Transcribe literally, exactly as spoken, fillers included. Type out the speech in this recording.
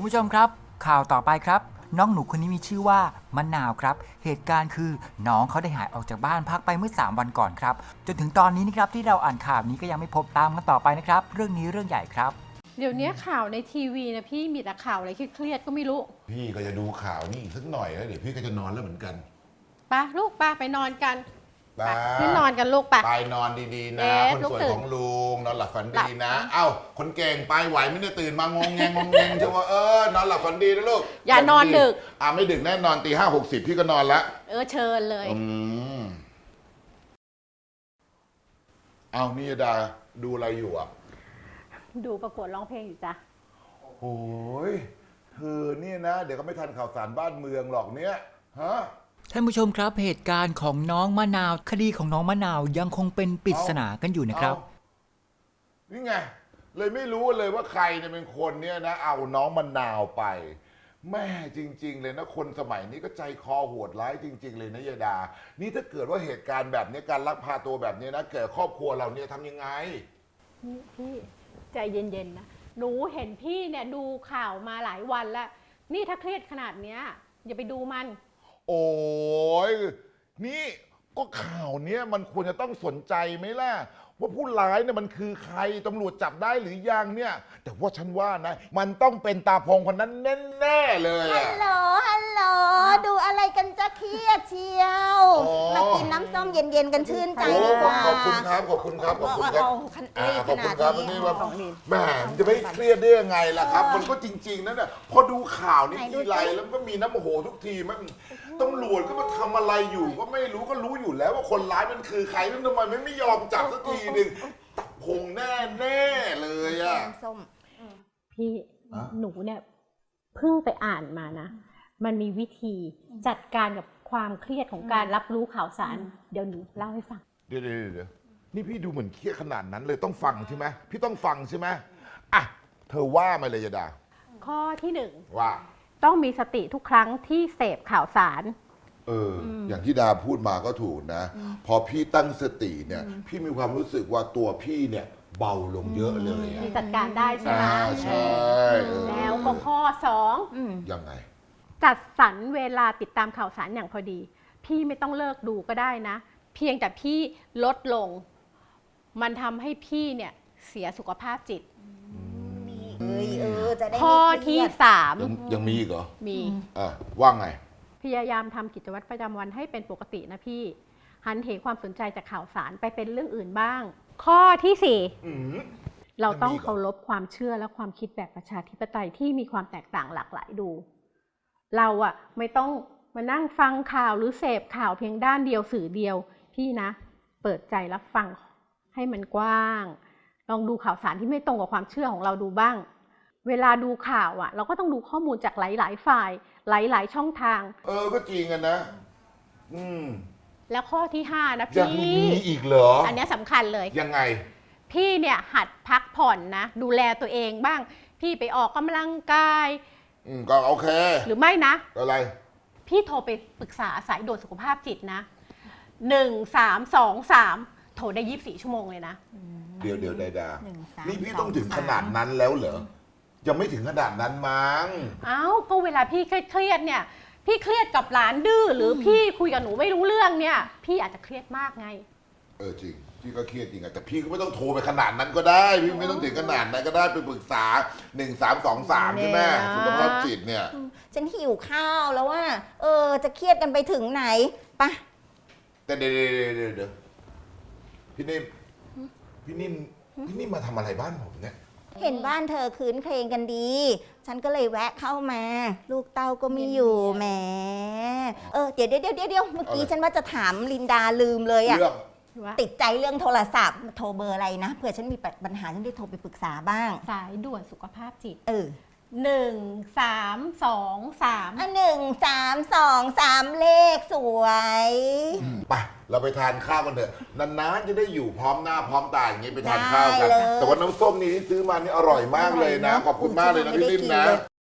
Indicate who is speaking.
Speaker 1: คุณผู้ชมครับข่าวต่อไปครับน้องหนูคนนี้มีชื่อว่ามะนาวครับเหตุการณ์คือน้องเขาได้หายออกจากบ้านพักไปเมื่อสามวันก่อนครับจนถึงตอนนี้นะครับที่เราอ่านข่าวนี้ก็ยังไม่พบตามกันต่อไปนะครับเรื่องนี้เรื่องใหญ่ครับ
Speaker 2: เดี๋ยวนี้ข่าวในทีวีนะพี่มีแต่ข่าวอะไรเครียดๆก็ไม่รู้
Speaker 3: พี่ก็จะดูข่าวนี่อีกสักหน่อยแล้วเดี๋ยวพี่ก็จะนอนแล้วเหมือนกัน
Speaker 2: ไปลูกไปไปนอนกัน
Speaker 3: ไป
Speaker 2: ขึ้นนอนกันลูกไป
Speaker 3: ไปนอนดีๆนะคนสวยของลุงนอนหลับฝันดีนะเอ้าคนเก่งไปไหวไม่ได้ตื่นมางงแงงงงแงงใช่ว่าเออนอนหลับฝันดีนะลูก
Speaker 2: อย่านอนดึก
Speaker 3: อ่าไม่ดึกแน่นอนตีห้าหกสิบพี่ก็นอนแล้ว
Speaker 2: เออเชิญเลย
Speaker 3: อืมเอานี่ดาดูอะไรอยู่อ่ะ
Speaker 2: ดูประกวดร้องเพลงอยู่จ้ะ
Speaker 3: โอ้ยเธอเนี่ยนะเดี๋ยวก็ไม่ทันข่าวสารบ้านเมืองหรอกเนี่ยฮะ
Speaker 1: ท่านผู้ชมครับเหตุการณ์ของน้องมะนาวคดีของน้องมะนาวยังคงเป็นปริศนากันอยู่นะครับ
Speaker 3: นี่ไงเลยไม่รู้เลยว่าใครเนี่ยเป็นคนเนี่ยนะเอาน้องมะนาวไปแม่จริงๆเลยนะคนสมัยนี้ก็ใจคอโหดร้ายจริงๆเลยนะยายดานี่ถ้าเกิดว่าเหตุการณ์แบบนี้การลักพาตัวแบบนี้นะเกิดครอบครัวเราเนี่ยทำยังไง
Speaker 2: นี่พี่ใจเย็นๆนะหนูเห็นพี่เนี่ยดูข่าวมาหลายวันแล้วนี่ถ้าเครียดขนาดเนี้ยอย่าไปดูมัน
Speaker 3: โอ้ยนี่ก็ข่าวเนี้ยมันควรจะต้องสนใจไหมล่ะว่าผู้ร้ายเนี่ยมันคือใครตำรวจจับได้หรือยังเนี่ยแต่ว่าฉันว่านะมันต้องเป็นตาพงคนนั้นแน่ๆเลย
Speaker 4: ฮัลโหลฮัลโหลดูอะไรกันจะเครียดเชียวมากินน้ำส้มเย็นๆกันชื่นใจดีกว่า
Speaker 3: ขอบคุณครับขอบคุณครับขอบคุณครับขอบคุณครับนี่ว่าแม่จะไม่เครียดได้ยังไงล่ะครับมันก็จริงๆนั่นน่ะพอดูข่าวนี่ทีไรแล้วก็มีน้ำโมโหทุกทีมันตำรวจก็มาทำอะไรอยู่ก็ไม่รู้ก็รู้อยู่แล้วว่าคนร้ายมันคือใครแล้วทำไมไม่ยอมจับสักทีหนึ่งตับพงแน่แน่เลยอ่ะ
Speaker 4: ส้ม
Speaker 2: พี่หนูเนี่ยเพิ่งไปอ่านมานะมันมีวิธีจัดการกับความเครียดของการรับรู้ข่าวสารเดี๋ยวหนูเล่าให้ฟัง
Speaker 3: เดี๋ยวเดี๋ยวเดี๋ยวนี่พี่ดูเหมือนเครียดขนาดนั้นเลยต้องฟังใช่ไหมพี่ต้องฟังใช่ไหมอ่ะเธอว่ามาเลยยดา
Speaker 2: ข้อที่หนึ่ง
Speaker 3: ว่า
Speaker 2: ต้องมีสติทุกครั้งที่เสพข่าวสาร
Speaker 3: เอออย่างที่ดาพูดมาก็ถูกนะพอพี่ตั้งสติเนี่ยพี่มีความรู้สึกว่าตัวพี่เนี่ยเบาลงเยอะเลย
Speaker 2: พี่จัดการได้ใช่ไหม
Speaker 3: ใช่
Speaker 2: แล้วก็ข้อสอง
Speaker 3: ยังไง
Speaker 2: จัดสรรเวลาติดตามข่าวสารอย่างพอดีพี่ไม่ต้องเลิกดูก็ได้นะเพียงแต่พี่ลดลงมันทำให้พี่เนี่ยเสียสุขภาพจิตข้อที่สาม
Speaker 3: ยังมีอีกเหรอ
Speaker 2: มี
Speaker 3: อ่ะว่าไง
Speaker 2: พยายามทำกิจวัตรประจำวันให้เป็นปกตินะพี่หันเหความสนใจจากข่าวสารไปเป็นเรื่องอื่นบ้างข้อที่สี่เราต้องเคารพความเชื่อและความคิดแบบประชาธิปไตยที่มีความแตกต่างหลากหลายดูเราอะไม่ต้องมานั่งฟังข่าวหรือเสพข่าวเพียงด้านเดียวสื่อเดียวพี่นะเปิดใจรับฟังให้มันกว้างลองดูข่าวสารที่ไม่ตรงกับความเชื่อของเราดูบ้างเวลาดูข่าวอะเราก็ต้องดูข้อมูลจากหลายๆฝ่ายหลายๆช่องทาง
Speaker 3: เออก็จริงกันนะอืม
Speaker 2: แล้วข้อที่ห้านะพี่
Speaker 3: ยังมีอีกเหรอ
Speaker 2: อันนี้สำคัญเลย
Speaker 3: ยังไง
Speaker 2: พี่เนี่ยหัดพักผ่อนนะดูแลตัวเองบ้างพี่ไปออกกำลังกาย
Speaker 3: อืมก็โอเค
Speaker 2: หรือไม่นะ
Speaker 3: อะไร
Speaker 2: พี่โทรไปปรึกษาสายด่วนสุขภาพจิตนะหนึ่งสามสองสามโทรได้ยี่สิบสี่ชั่วโมงเลยนะ
Speaker 3: เดี๋ยวเดี๋ยวดาดานี่พี่ต้องถึงขนาดนั้นแล้วเหรอยังไม่ถึงขนาดนั้นมั้ง
Speaker 2: เอ้าก็เวลาพี่เครียดเนี่ยพี่เครียดกับหลานดื้อหรือพี่คุยกับหนูไม่รู้เรื่องเนี่ยพี่อาจจะเครียดมากไง
Speaker 3: เออจริงพี่ก็เครียดจริงอะแต่พี่ก็ไม่ต้องโทรไปขนาดนั้นก็ได้พี่ไม่ต้องถึงขนาดนั้นก็ได้ไปปรึกษาหนึ่งสามสองสามใช่ไหมสุขภาพจิตเนี่ย
Speaker 4: ฉันหิวข้าวแล้วว่าเออจะเครียดกันไปถึงไหนปะ
Speaker 3: แต่เดี๋ยวเดี๋ยวเดี๋ยวพี่นิ่มพี่นิ่มพี่นิ่มมาทำอะไรบ้านผมเนี่ย
Speaker 4: เห็นบ้านเธอคืนเครงกันดีฉันก็เลยแวะเข้ามาลูกเต้าก็ไม่อยู่แหมเออเดี๋ยวเดี๋ยวเดี๋ยวเดี๋ยวเมื่อกี้ฉันว่าจะถามลินดาลืมเลยอะติดใจเรื่องโทรศัพท์โทรเบอร์อะไรนะเผื่อฉันมีปัญหาฉันได้โทรไปปรึกษาบ้าง
Speaker 2: สายด่วนสุขภาพจิต
Speaker 4: เออ
Speaker 2: หนึ่งสามสองสาม
Speaker 4: อ่ะหนึ่งสามสองสามเลขสวย
Speaker 3: ไปเราไปทานข้าวกันเถอะนานๆจะได้อยู่พร้อมหน้าพร้อมตาอย่างนี้ไปทานข้าวกันแต่ว่าน้ำส้มนี้ที่ซื้อมานี่อร่อยมากเลยนะขอบคุณมากเลยนะพี่นิ่มนะ